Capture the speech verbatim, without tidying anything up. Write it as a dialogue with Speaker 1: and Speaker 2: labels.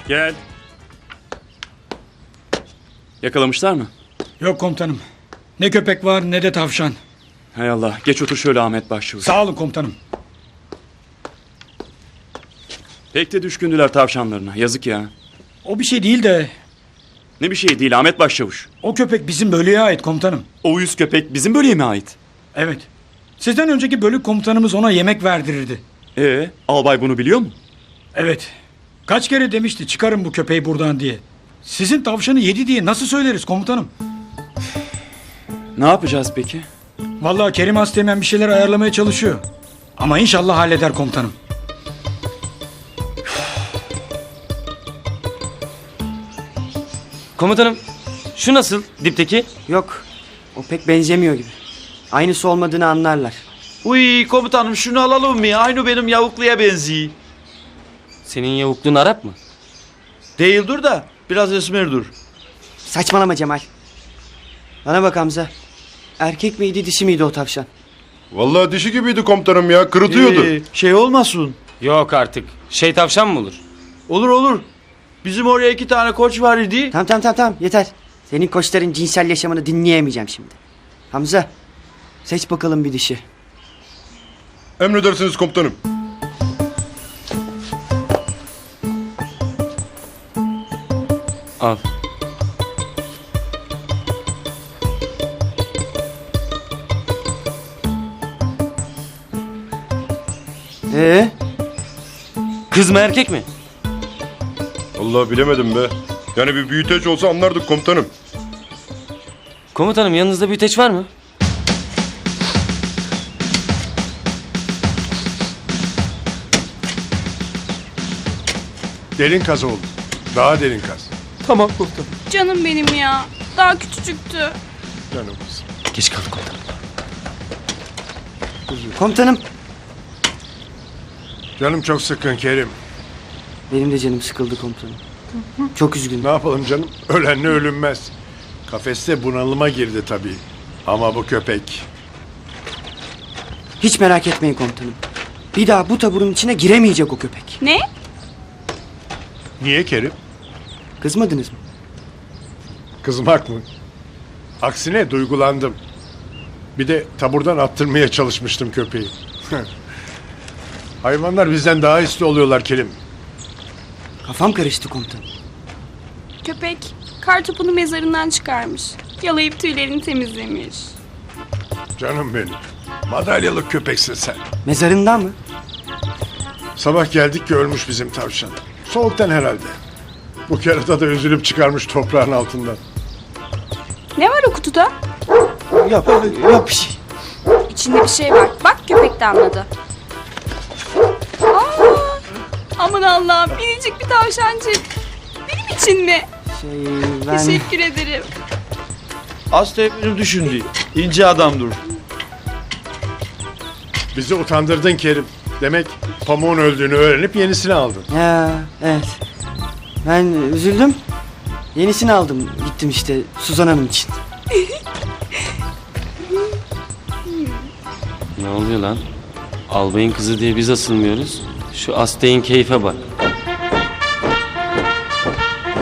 Speaker 1: Gel. Yakalamışlar mı?
Speaker 2: Yok komutanım. Ne köpek var ne de tavşan.
Speaker 1: Hay Allah. Geç otur şöyle Ahmet Başçavuş.
Speaker 2: Sağ olun komutanım.
Speaker 1: Pek de düşkündüler tavşanlarına. Yazık ya.
Speaker 2: O bir şey değil de
Speaker 1: Ne bir şey değil Ahmet Başçavuş.
Speaker 2: o köpek bizim bölüğe ait komutanım.
Speaker 1: O uyuz köpek bizim bölüğe mi ait?
Speaker 2: Evet. Sizden önceki bölük komutanımız ona yemek verdirirdi.
Speaker 1: Ee, albay bunu biliyor mu?
Speaker 2: Evet. Kaç kere demişti çıkarın bu köpeği buradan diye. Sizin tavşanı yedi diye nasıl söyleriz komutanım?
Speaker 1: Ne yapacağız peki?
Speaker 2: Vallahi Kerim Asteğmen bir şeyler ayarlamaya çalışıyor. Ama inşallah halleder komutanım.
Speaker 3: Komutanım, şu nasıl dipteki?
Speaker 4: Yok. O pek benzemiyor gibi. Aynısı olmadığını anlarlar.
Speaker 5: Uy komutanım şunu alalım mı? Aynı benim yavukluya benziyor.
Speaker 3: Senin yavukluğun Arap mı?
Speaker 5: Değildir da biraz esmerdir.
Speaker 4: Saçmalama Cemal. Bana bak Hamza. Erkek miydi dişi miydi o tavşan?
Speaker 6: Vallahi dişi gibiydi komutanım ya. Kırıtıyordu.
Speaker 5: Ee, şey olmasın.
Speaker 3: Yok artık. Şey tavşan mı olur?
Speaker 5: Olur olur. Bizim oraya iki tane koç var idi.
Speaker 4: Tamam tamam tamam tamam yeter. Senin koçların cinsel yaşamını dinleyemeyeceğim şimdi. Hamza seç bakalım bir dişi.
Speaker 6: Emredersiniz komutanım.
Speaker 3: Al.
Speaker 4: Ee,
Speaker 3: Kız mı erkek mi?
Speaker 6: Allah bilemedim be. Yani bir büyüteç olsa anlardık komutanım.
Speaker 3: Komutanım yanınızda büyüteç var mı?
Speaker 7: Derin kaz oldu. Daha derin kaz.
Speaker 3: Tamam komutanım.
Speaker 8: Canım benim ya. Daha küçücüktü.
Speaker 7: Canımız.
Speaker 3: Geç kaldık komutanım.
Speaker 4: komutanım.
Speaker 7: Canım çok sıkkın Kerim.
Speaker 4: Benim de canım sıkıldı komutanım. Çok üzgünüm.
Speaker 7: Ne yapalım canım? Ölenle ölünmez. Kafeste bunalıma girdi tabii. Ama bu köpek.
Speaker 4: Hiç merak etmeyin komutanım. Bir daha bu taburun içine giremeyecek o köpek.
Speaker 8: Ne?
Speaker 7: Niye Kerim?
Speaker 4: Kızmadınız mı?
Speaker 7: Kızmak mı? Aksine duygulandım. Bir de taburdan attırmaya çalışmıştım köpeği. Hayvanlar bizden daha hisli oluyorlar Kerim.
Speaker 4: Kafam karıştı komutanım.
Speaker 8: Köpek kar topunu mezarından çıkarmış. Yalayıp tüylerini temizlemiş.
Speaker 7: Canım benim. Madalyalı köpeksin sen.
Speaker 4: Mezarından mı?
Speaker 7: Sabah geldik ki ölmüş bizim tavşan. Soğuktan herhalde. Bu kerata da üzülüp çıkarmış toprağın altından.
Speaker 8: Ne var o kutuda?
Speaker 4: Yok, yok bir şey.
Speaker 8: İçinde bir şey var. Bak köpek de anladı. Aa, aman Allah'ım minicik bir tavşancık. Benim için mi?
Speaker 4: Şey ben...
Speaker 8: Teşekkür ederim.
Speaker 5: Aslı benim düşündü. İnce adamdır.
Speaker 7: Bizi utandırdın Kerim. Demek pamuğun öldüğünü öğrenip yenisini aldın.
Speaker 4: Ya evet. Ben üzüldüm. Yenisini aldım. Gittim işte Suzan Hanım için.
Speaker 3: Ne oluyor lan? Albayın kızı diye biz asılmıyoruz. Şu Asteğin keyfe bak.